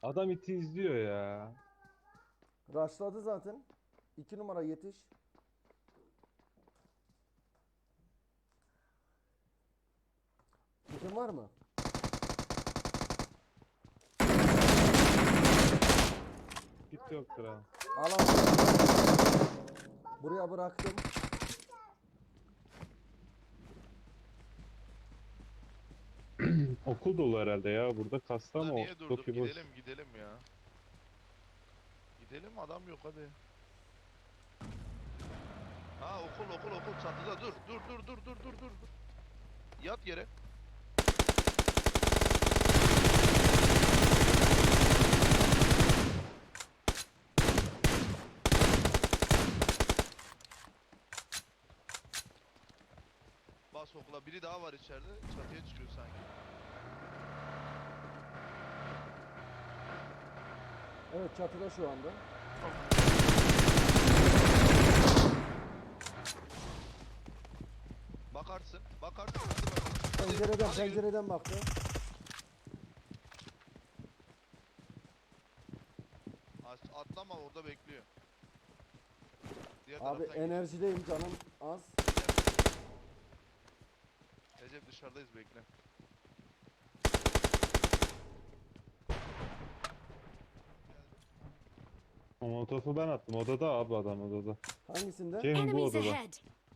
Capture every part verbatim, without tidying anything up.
Adam iti izliyor ya. Rushladı zaten. İki numara yetiş. Kitin var mı? Git yoktur ha. Al al. Buraya bıraktım. Okul dolu herhalde ya. Burada kasta Burada ama niye durduk? Toki boş. Gidelim gidelim ya. Gidelim, adam yok hadi. Ha, okul okul okul çatıda, dur dur dur dur dur dur dur. Yat yere. Bas okula, biri daha var içeride, çatıya çıkıyor sanki. Evet, çatıda şu anda. Bakarsın bakarsın, hadi bakalım. Hadi, Pencereden hadi yürü. pencereden baktı. As- Atlama, orada bekliyor. Diğer Abi taraftan geç. enerjideyim, canım az. Recep dışarıdayız, bekle. O molotofu ben attım. Odada abi, adam odada. Hangisinde? Cem bu Enemies odada. ahead!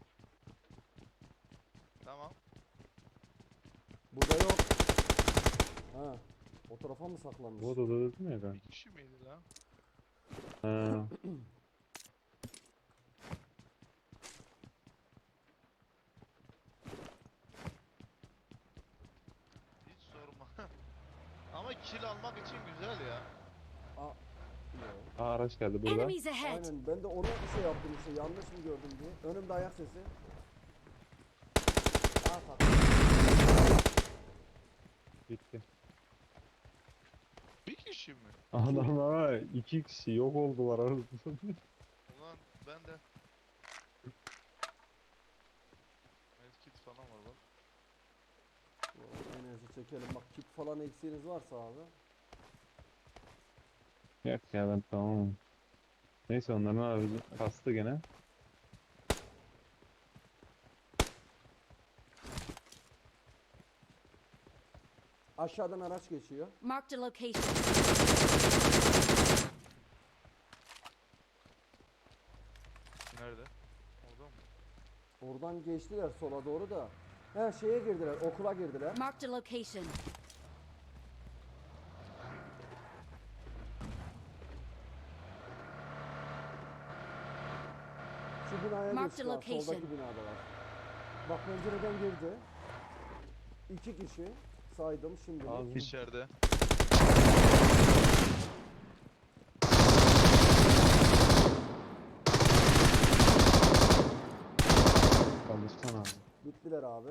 Tamam. Burada yok. Ha. O tarafa mı saklanmış? Bu odada dedim ya ben. Bir kişi miydi lan? Ha. Hiç sorma. Ama kill almak için güzel ya. Aa. Yok. Aa, araç geldi burada. Enemies ahead! Aynen, ben de onu bir şey yaptım işte, yanlış mı gördüm diye. Önümde ayak sesi. Aa, tak. Bitti. Bir kişi mi? Adamlar iki kişi yok oldular arada. Ulan ben de. Medkit falan var bak. Oo, enerji çekelim. Bak, kit falan eksiğiniz varsa abi. Yok ya, ben tamam. Neyse, onların abi kastı gene. Aşağıdan araç geçiyor. Marked a location. Nerede? Orada mı? Oradan geçtiler sola doğru da. He, şeye girdiler, okula girdiler. Marked a location. Şu binaya Marked geçtiler, location. soldaki binadalar. Bak, pencereden girdi. İki kişi saydım şimdi. Abi. İçeride. Çalışsana abi. Bittiler abi.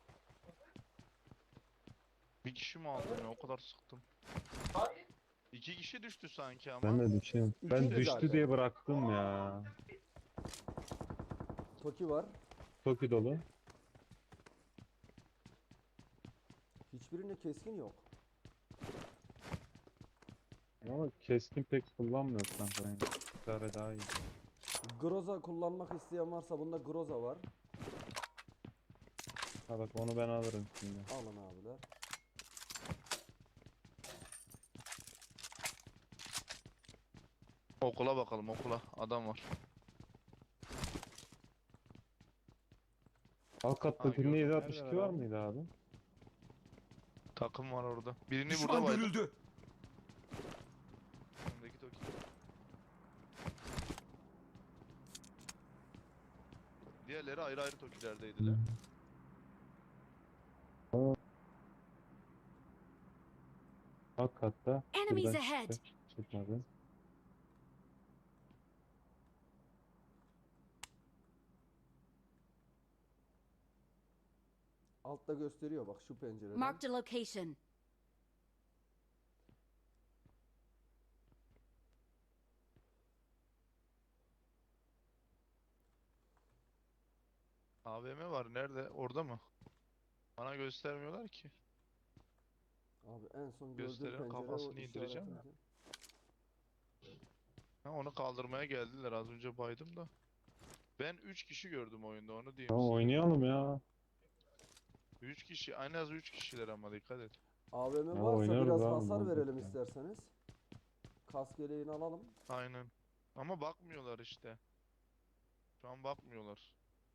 Bir kişi mi aldım ya? O kadar sıktım. İki kişi düştü sanki ama. Ben de düşüyorum. Ben İkiydi düştü zaten. diye bıraktım ya. Toki var. Toki dolu. Hiçbirinde keskin yok. Ama keskin pek kullanmıyor kanka. Yani. Bir tane daha iyi. Groza kullanmak isteyen varsa bunda Groza var. Ha bak, onu ben alırım şimdi. Alın abiler. Okula bakalım, okula. Adam var. Alt katta Ha, bir gördüm. yedi altmış iki Neredeler var abi? mıydı abi? Takım var orada. Birini burada Düşman baydım. görüldü. Öndeki Toki. Diğerleri ayrı ayrı Tokilerdeydiler. Alt katta. Enemies Şuradan ahead! çıktı. Çıkmadı. Altta gösteriyor bak, şu pencereden. Marked a location. A V M var. Nerede? Orada mı? Bana göstermiyorlar ki. Abi en son gördüğüm Gösteren pencere o kafasını indireceğim işaret. ya. Ha, onu kaldırmaya geldiler, az önce baydım da. Ben üç kişi gördüm oyunda, onu diyeyim Tamam size. oynayalım ya. üç kişi, en az üç kişiler ama dikkat et. A V M Ya varsa oynarız biraz abi, hasar olacak verelim ya. isterseniz. Kask yeleğini alalım. Aynen. Ama bakmıyorlar işte. Şu an bakmıyorlar.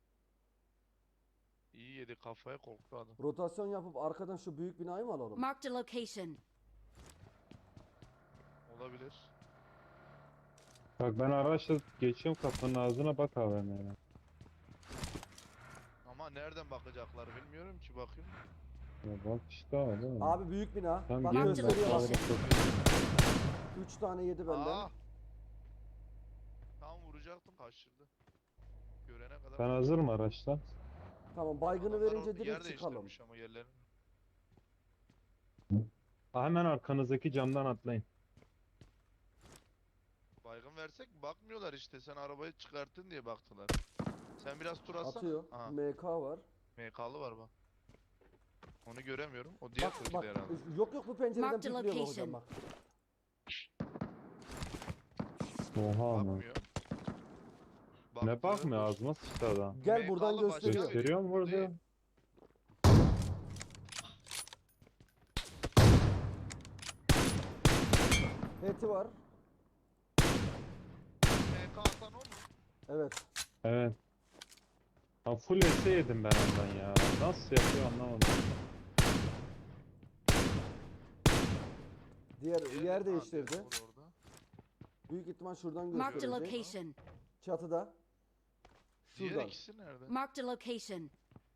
İyi yedi kafaya, korktu adam. Rotasyon yapıp arkadan şu büyük binayı mı alalım? Marked a location. Olabilir. Bak ben araçla geçiyorum, kapının ağzına, bak A V M'ye. Ama nereden bakacaklar bilmiyorum ki, bakayım. Ya bak işte abi, değil mi? Abi büyük bina. Tamam Bak gelin, ben gösteriyor bak. sağlık location. üç tane yedi benden. Aa! Tam vuracaktım, kaçırdı. Görene kadar. Sen hazır mı araçla? Tamam baygını Adamlar verince orada yer direkt çıkalım. değiştirmiş ama yerlerini. Ha, hemen arkanızdaki camdan atlayın. Baygın versek bakmıyorlar işte. Sen arabayı çıkarttın diye baktılar. Sen biraz tur atsana. Atıyor. Aha, M K var. M K'lı var bak. Onu göremiyorum. O diğer Bak Türkiye bak. herhalde. Yok yok bu pencereden Mark the pikliyor bak location. hocam bak. Oha ama. Bakmıyor. Ne Baktı, bakmıyor, dur. ağzıma sıçtı adam. Gel M buradan K'lı başka gösteriyor. biri. Gösteriyor mu Bu burada? değil. Heti var. M K atan o mu? Evet. Evet. Ha, full S yedim ben ondan ya. Nasıl yapıyor anlamadım. Diğer Diğeri- yer ha, değiştirdi. diğeri vur orada. Büyük ihtimal şuradan Marked a gösterecek. location. Çatıda. Diğer Şuradan. ikisi nerede? Marked a location.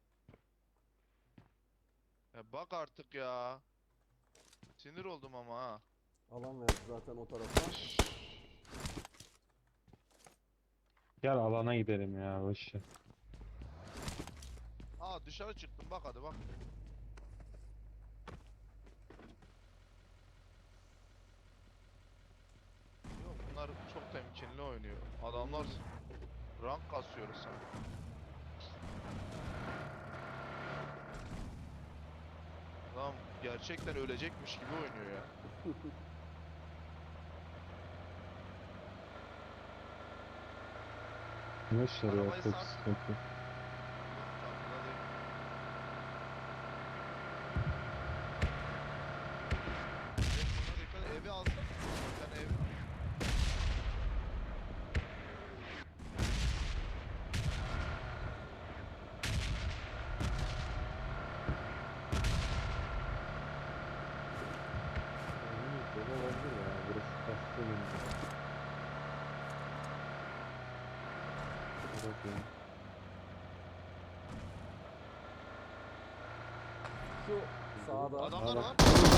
Ya bak artık ya. Sinir oldum ama ha. Alan verdi zaten o tarafa. Gel alana gidelim ya, boş ver. Aa, dışarı çıktım, bak hadi bak. Yok, bunlar çok temkinli oynuyor. Adamlar rank kasıyoruz sanki. Adam gerçekten ölecekmiş gibi oynuyor ya. Boş ver ya, Arabayı çok sar. sıkıntı. Yok, çantada değil. Evet, buna dikkat et. Evi alsana. Sen evi. Oyunumuz böyle olabilir ya, burası kastı benim. Bakayım. Şu sağda. Adamlar bak. var.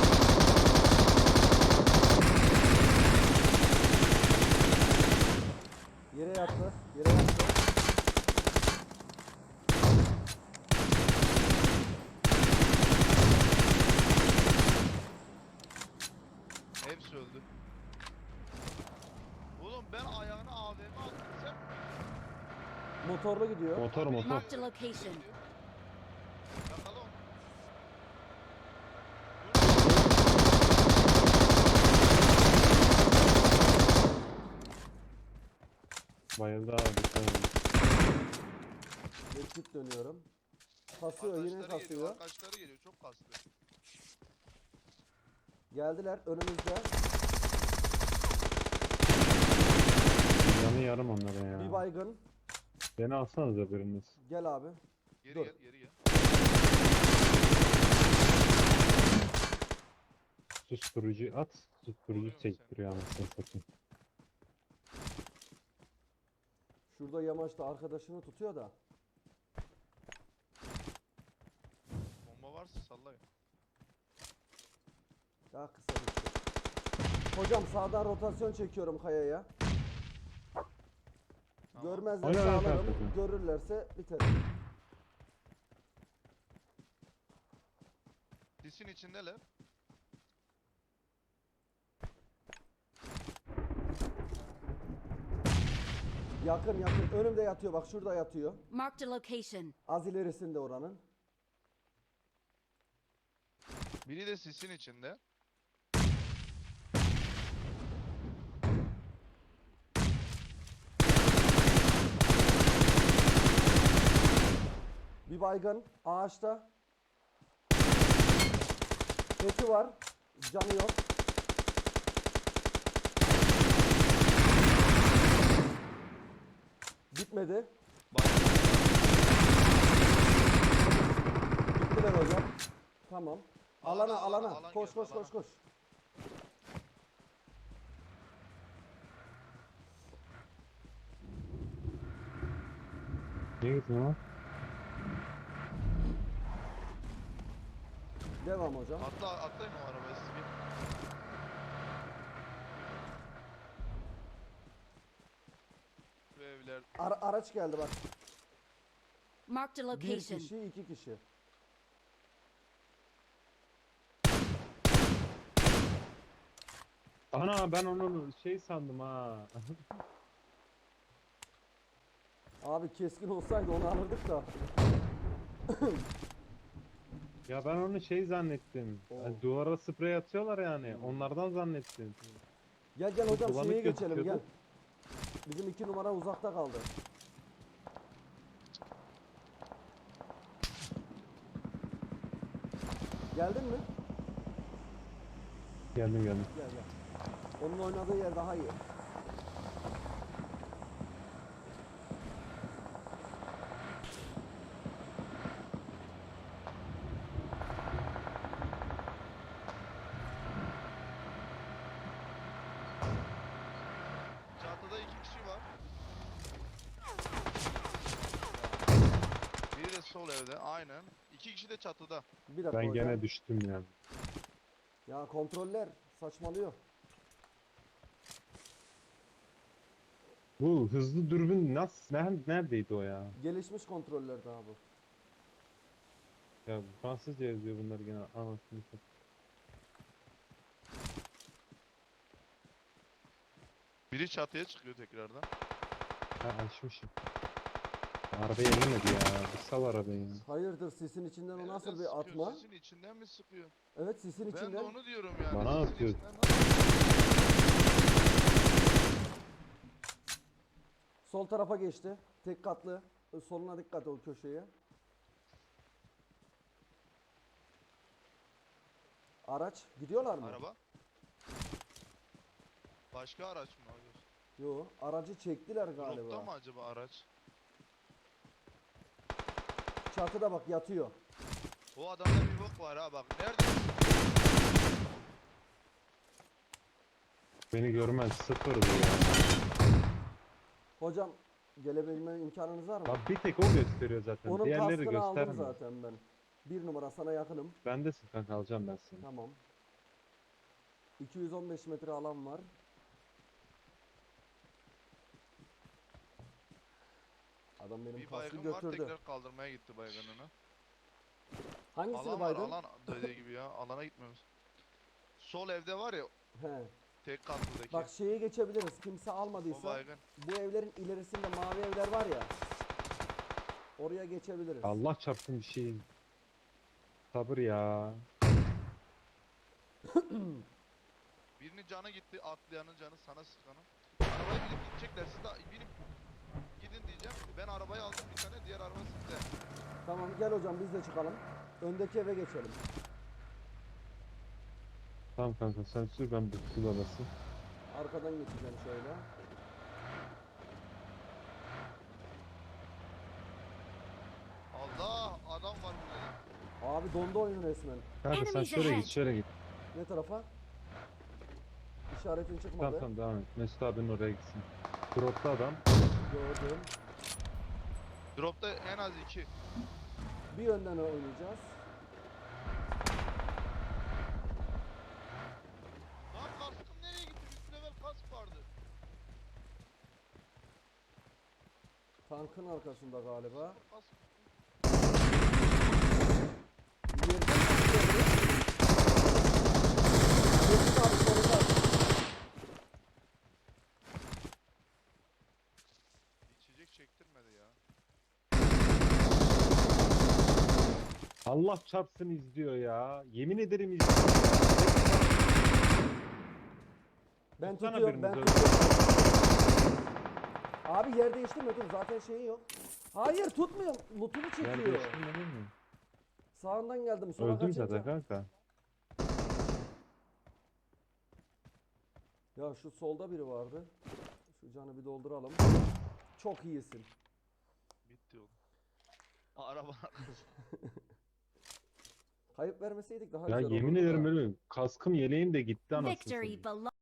Yere yattı. Yere yattı. Hepsi öldü. Oğlum ben ayağına A V M attım, sen mi? Motorla gidiyor. Motor motor. Marked a location. Yakala onu. Bayıldı abi, dikkat edin. Medkit dönüyorum. Kasıyor yine Arkadaşları geliyor, kasıyor. arkadaşları geliyor, çok kastı. Geldiler önümüzde. Canı yarım onlara ya. Bir baygın. Beni alsanıza biriniz. Gel abi. Geri Dur. gel, geri gel. Susturucu at. Susturucu Oluyor mu çektiriyor anasını satayım. Şurada yamaçta arkadaşını tutuyor da. Bomba varsa sallayın. Daha kısa gitti. Hocam sağdan rotasyon çekiyorum kayaya. Tamam. Görmezler Oyna, oyna, sağlarım. kardeşim. Görürlerse biter. Disin içindeler. Yakın yakın. Önümde yatıyor bak şurada yatıyor. Marked a location. Az ilerisinde oranın. Biri de sisin içinde. Bir baygın ağaçta. Eti var. Canı yok. Bitmedi. Bak. Bittiler hocam. Tamam. Alana Alana, alana. alana, alan Koş geldi, koş alana. koş koş. Niye gittin lan? Devam hocam. Atla atlayın o arabaya siz bir. Bu evler Ara- araç geldi bak. Marked a Bir location. kişi, iki kişi. Ana ben onu şey sandım ha. Abi keskin olsaydı onu alırdık da. Ya ben onu şey zannettim. Oo. Hani duvara sprey atıyorlar yani. Onlardan zannettim. Gel gel Bu hocam bulanık şeye geçelim gel. gözüküyordu. Bizim iki numara uzakta kaldı. Geldin mi? Geldim geldim. Gel gel. Onun oynadığı yer daha iyi. çatıda iki kişi var. Biri de sol evde aynen. İki kişi de çatıda. Bir dakika Ben hocam. gene düştüm yani. Ya kontroller saçmalıyor. Bu hızlı dürbün nasıl ner- neredeydi o ya? Gelişmiş kontroller daha bu. Ya Fransızca yazıyor bunlar gene anasını satayım. Biri çatıya çıkıyor tekrardan. Ha açmışım. Arabayı ellemedi ya. Bir sal arabayı ya. Hayırdır sisin içinden o Nereden nasıl bir sıkıyor? atma? Sisin içinden mi sıkıyor? Evet sisin Ben de içinden. onu diyorum yani. Bana sisin atıyor. içinden nasıl- Sol tarafa geçti. Tek katlı. Soluna dikkat ol köşeye. Araç gidiyorlar mı? Araba. Başka araç mı alıyorsun? Yo, aracı çektiler galiba. Dropta mı acaba araç? Çatıda bak yatıyor. O adamda bir bok var ha bak. Nerede? Beni görmez sıfırdı ya. Hocam gelebilme imkanınız var mı? Bak bir tek o gösteriyor zaten. Onun Diğerleri kaskını aldım göstermiyor. zaten ben. Bir numara sana yakınım. Bendesin kanka alacağım ben seni. Tamam. iki yüz on beş metre alan var. Adam benim Bir kaskı baygın var götürdü. tekrar kaldırmaya gitti baygınını. Hangisini Alan var baydın? alan dediği gibi ya alana gitmemiz. Sol evde var ya He. tek katlıdaki. Bak şeye geçebiliriz. Kimse O almadıysa baygın. bu evlerin ilerisinde mavi evler var ya. Oraya geçebiliriz. Allah çarpsın bir şey. Sabır ya. Birinin canı gitti atlayanın canı sana sıkanın. Arabaya binip gidecekler siz de binip gidin diyeceğim. Ben arabayı aldım bir tane diğer araba sizde. Tamam gel hocam biz de çıkalım. Öndeki eve geçelim. Tamam kanka sen sür ben bu kul arası. Arkadan geçeceğim şöyle. Allah adam var burada. Abi dondu oyun resmen. Kanka sen Enemies şöyle ahead. git şöyle git. Ne tarafa? İşaretin Tamam çıkmadı. tamam devam et. Mesut abinin oraya gitsin. Dropta adam. Gördüm. Dropta en az iki. Bir yönden oynayacağız. Lan kaskım nereye gitti? üç level kask vardı. Tankın arkasında galiba. Kask. Bir yerden çıkıyordu. Mesut abi solunda. İçecek çektirmedi ya. Allah çarpsın izliyor ya. Yemin ederim izliyor. Ben Tutsana tutuyorum ben biriniz öyle. tutuyorum. Abi yer değiştirme dur zaten şeyi yok. Hayır tutmuyor. Lootunu Yer çekiyor. değiştirmedin mi? Sağından geldim. Sola Öldüm kaçınca. zaten kanka. Ya şu solda biri vardı. Şu canı bir dolduralım. Çok iyisin. Bitti oğlum. Aa, araba Kayıp vermeseydik daha Ya güzel yemin olurdu ederim da. böyle kaskım yeleğim de gitti anasını Victory satayım. belongs.